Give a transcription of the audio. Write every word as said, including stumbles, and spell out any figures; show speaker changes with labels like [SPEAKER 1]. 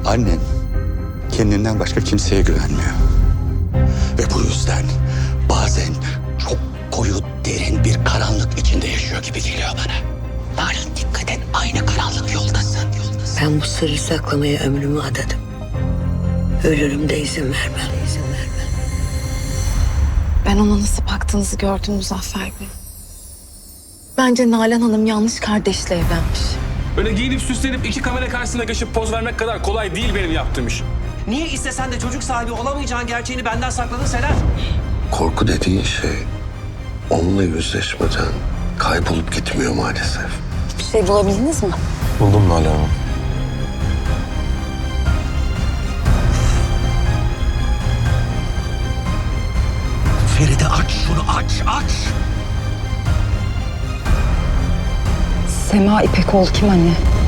[SPEAKER 1] Annen kendinden başka kimseye güvenmiyor. Ve bu yüzden bazen çok koyu, derin bir karanlık içinde yaşıyor gibi geliyor bana. Nalan, dikkat et, aynı karanlık yoldasın. yoldasın.
[SPEAKER 2] Ben bu sırrı saklamaya ömrümü adadım. Ölürüm de izin vermem. izin vermem.
[SPEAKER 3] Ben ona nasıl baktığınızı gördüm Muzaffer Bey. Bence Nalan Hanım yanlış kardeşle evlenmiş.
[SPEAKER 4] Öyle giyinip süslenip iki kamera karşısına geçip poz vermek kadar kolay değil benim yaptığım iş.
[SPEAKER 5] Niye istesen de çocuk sahibi olamayacağın gerçeğini benden sakladın Selen?
[SPEAKER 6] Korku dediğin şey onunla yüzleşmeden kaybolup gitmiyor maalesef.
[SPEAKER 3] Bir şey bulabildiniz mi?
[SPEAKER 4] Buldum Nalan Hanım.
[SPEAKER 1] Feride, aç şunu, aç, aç.
[SPEAKER 3] Sema İpekoğlu kim anne?